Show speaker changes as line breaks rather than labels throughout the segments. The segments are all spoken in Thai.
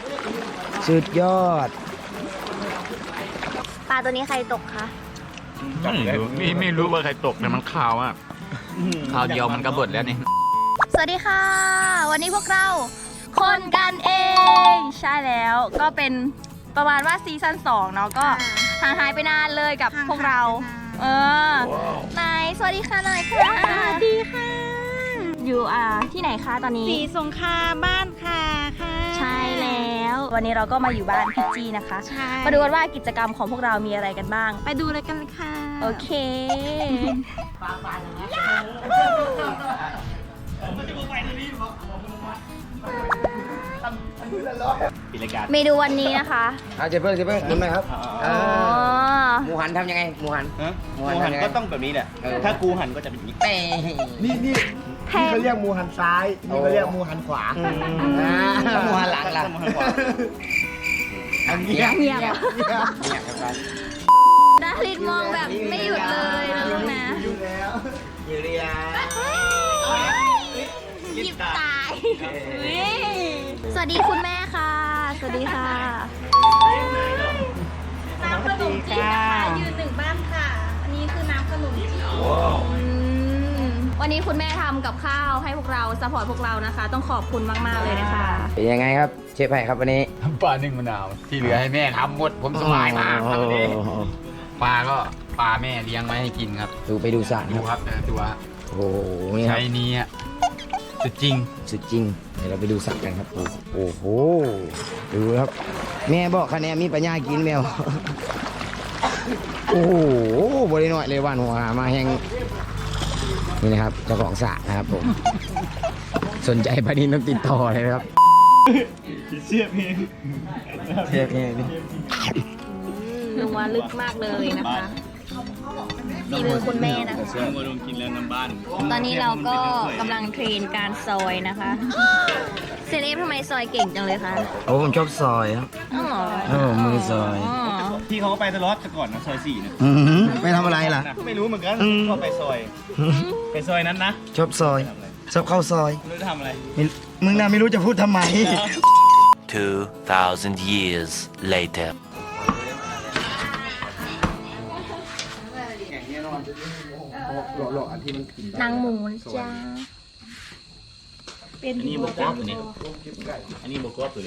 สุดยอด
ปลาตัวนี้ใครตกคะ
ไม่รู้ว่าใครตกแต่มันข่าวอ่ะข่าวเดียวมันก็เบิดแล้วนี่
สวัสดีค่ะ วันนี้พวกเราคนกันเอง ใช่แล้วก็เป็นประมาณว่าซีซั่น2เนาะก็ห่างหายไปนานเลยกับพวกเรานายสวัสดีค่ะนายค่ะสวัสดีค่ะอยู่ที่ไหนคะตอนนี้
สีสงครามบ้านค่ะค่ะ
ใช่แล้ววันนี้เราก็มาอยู่บ้านพี่จีนะคะ
ใช่
มาดูกันว่ากิจกรรมของพวกเรามีอะไรกันบ้าง
ไปดูเลยกันเลยค่ะ
โอเคเมนูวันนี้นะคะ
เจ็บเพิ่งกินไหมครับ
อ๋อ
หมูหันทำยังไงหมูหัน
หมูหันก็ต้องแบบนี้แหละ ถ้ากูหันก็จะเป็นอย่างนี้
เต้
นี่เขาเรียกหมูหันซ้ายนี่เขาเรียกหมูหันขวา
แล้วหมูหันหลังล่ะ
หมูหันขวา
เงียบ
เงียบ
ครับ
ดารินมองแบบไม่หยุดเลยนะลูกนะ
อยู่แล้ว
อยู่เรีย
หยิบตายสวัสดีคุณแม่ค่ะ สวัสดีค่ะ
น้ำขนมจีนนะคะยืนหนึ่งบ้านค่ะ อันนี้คือน้ำขนมจีน
วันนี้คุณแม่ทำกับข้าวให้พวกเราซัพพอร์ตพวกเรานะคะ ต้องขอบคุณมากๆเลยนะคะ
เป็นยังไงครับเชฟไผ่ครับวันนี้
ปลานึ่งมะนาวที่เหลือให้แม่ทำหมดผมสบายมากครับวันนี้ปลาก็ปลาแม่เลี้ยงไว้ให้กินครับ
ดูไปดูสระ
ดู
ครับ
ครับตัว
โอ้โหนี่ค
ใช้
รับ
นี้อ่ะสุดจริง
สุดจริงเดี๋ยวเราไปดูสระกันครับโอ้โหดูครับแม่บอกคะแนนมีปัญญากินแมวโอ้โหบริโน้อยเลยว่านหัวมาแห้งนี่นะครับเจ้าของสระนะครับผมสนใจปลาดินต้องติดต่อเลยนะครับ
เสียบเอง
เชฟเองนี่
นัวลึกมากเลยนะคะฝีมือคุณแม่นะคะ
เสียบมาลงกินแล้วน้ำบ้าน
ตอนนี้เราก็กำลังเทรนการซอยนะคะเซเลฟทำไมซอยเก่งจังเลยคะ
โอ้ผมชอบซอยครับ
อ๋อ
โอ้มือซอย
อ๋อ
พี่เขาก็ไปตลอดแต่ก่อนนะซอย4นะ
ไม่ทำอะไรล่ะ
ไม่รู้เหมือนกันก็ไปซอย ไปซอยนั้นนะ
ชอบซอยชอบเข้าซอย
ไม่รู้จะทำอะไร
มึงน่ะไม่รู้จะพูดทำไม
2,000 years later.
นางหมูจ้า
เป็น
อันนี้บกวบตัวนี้อันนี้บกวบตัวนี้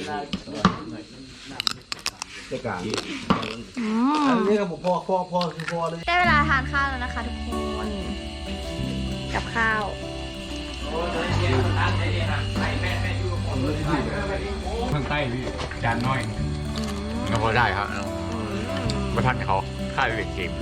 อันนี้ก็บอกพ่อคือพ่อเลย
ได้เวลาทานข้าวแล้วนะคะทุกคนกับข้าว
ข้างใต้พี่จานน้อยก็พอได้ครับมาทักเขาค่าเด็กเกม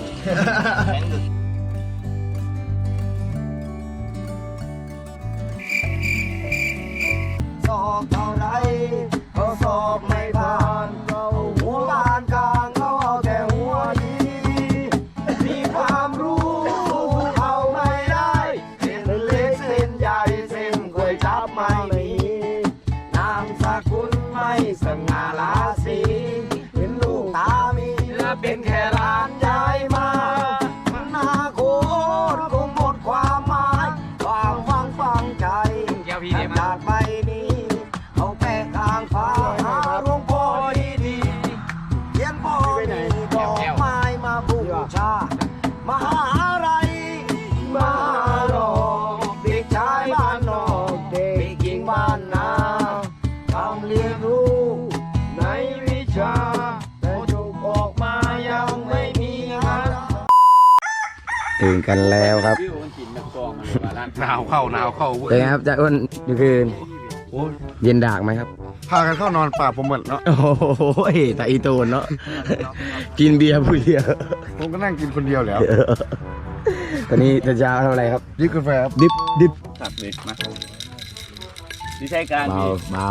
สอบเท่าไรก็สอบไม่ผ่านเขาหัวล้านกลางเขาเอาแต่หัวดีมีความรู้เขาไม่ได้เส้นเล็กเส้นใหญ่เส้นก๋วยจับไม่มีนามสกุลไม่สง่าราศีเป็นลูกตามีและเป็นแค่ร้านยายมามันน่าโคตรคงหมดความหมายความหวังฟังใจขนาดไม่มีเอาแป้งกลางฟ้าหาหลวงพ่อดีๆเขียนพ่อมีดอกไม้มาบูชามหาอะไรมาหลอกเด็กชายบ้านนอกเด็กหญิงบ้านนาทำเรียนรู้ในวิชาแต่จบออกมายังไม่มีงาน
ตื่นกันแล้วครับ
หนาวเข้า
เป็นไงครับจ่าอ้นดูคืนเย็นดากไหมครับ
พากันเข้านอนป่าผมหมดเนาะ
โอ้โหแต่อีโตนเนาะกินเบียร์ผู้เดียว
ผมก็นั่งกินคนเดียวแล้ว
ตอนนี้ตาเช้าทำอะไรครับ
ดิบกาแฟครับ
ดิบ
ตัดเด็กนะวิธีการ
เบา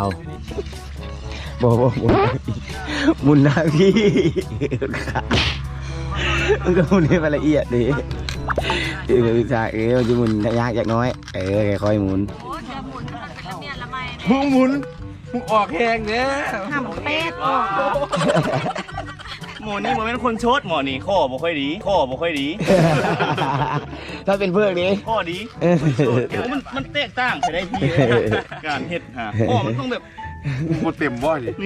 มุนหน้าพี่มันก็มุนให้มันละเอียดดิจากมันจะหมุนยากจากน้อยค่อยหมุน
มึงหมุนมึงออกแหงเนี่ย
ทำเป็ด
หมอนี่มันเป็นคนโชดหมอนี่ข้อบ่ค่อยดี
ถ้าเป็นเพื่อนนี้
ข้อดีมันแตกต่างไปได้ที่การเฮ็ดฮะข้อมันต้องแบบ
หมดเต็มบ่ดิ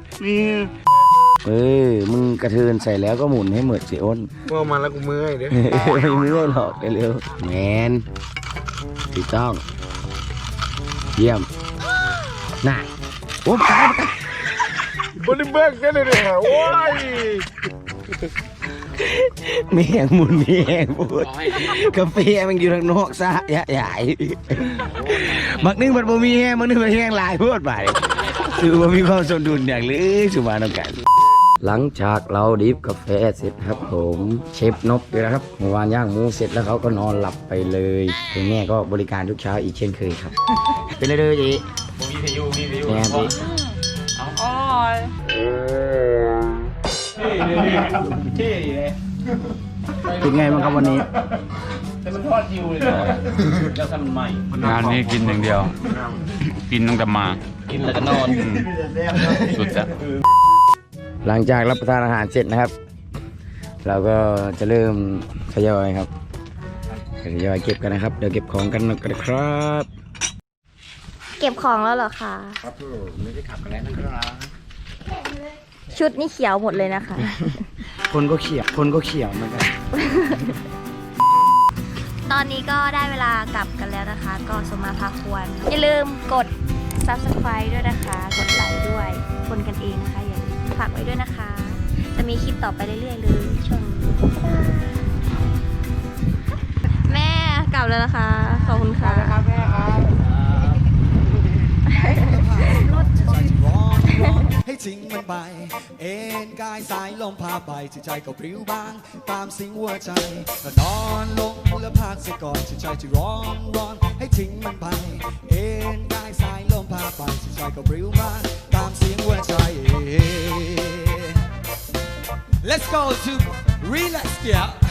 มึงกระเทินใส่แล้วก็หมุนให้เหมือนสิอ้น
ว่ามาแล้วกูเมื่อยเด้
ไม่เมื่อยหรอกเร็วๆแมนถูกต้องเยี่ยมน่ะโอ้ตาย
บริเบิกกันเลยเนี่ยโอ้ย
มีแหงหมุนมีแหงพูดกาแฟมันอยู่ทางนอกซะใหญ่บักนึงมันบ่มีแหงบักนึงมันแหงหลายพูดไปคือว่ามีความสมดุลอย่างหรือสุมาต้องกันหลังจากเราดิฟกาแฟเสร็จครับผมเชฟนกอยู่แล้วครับเมื่อวานย่างหมูเสร็จแล้วเขาก็นอนหลับไปเลยคุณแม่ก็บริการทุกเช้าอีกเช่นเคยครับเป็นเลยจี
มีพายุมีพายุ
แม่พี่
อร่อย
ที่เลย
เป็นไงบ้างครับวันนี้
แต่มันทอดยิวเลยแล้วทำมันใหม่
งานนี้กินอย่างเดียว กินตั้งแต่มา
กินแล้วก็นอน
สุดจ้ะ
หลังจากรับประทานอาหารเสร็จนะครับ เราก็จะเริ่มทยอยครับทยอยเก็บกันนะครับเดี๋ยวเก็บของกันนะครับ
เก็บของแล้วเหรอคะ
ครับไม่ได้ขับกันแล้วนะครับ
ชุดนี่เขียวหมดเลยนะคะ
คนก็เขียวเหมือนกัน
ตอนนี้ก็ได้เวลากลับกันแล้วนะคะ ก็สมมาพาควร อย่าลืมกด subscribe ด้วยนะคะ กดไลค์ด้วย คนกันเองนะคะ อย่าลืมฝากไว้ด้วยนะคะ จะมีคลิปต่อไปเรื่อยๆเลยช่วงนี้แม่กลับแล้วนะคะ ขอบคุณค่ะ
ให้ทิ้งมันไป เอ็นกายสายลมพาไปจิตใจก็พริ้วบาง ตามสิ่งหัวใจก็นอนลงแล้วพักเสียก่อนจิตใจที่ร้อนให้ทิ้งมันไป เอ็นกายสายลมพาไปจิตใจก็พริ้วบางตามเสียงหัวใจ Let's go to relax yeah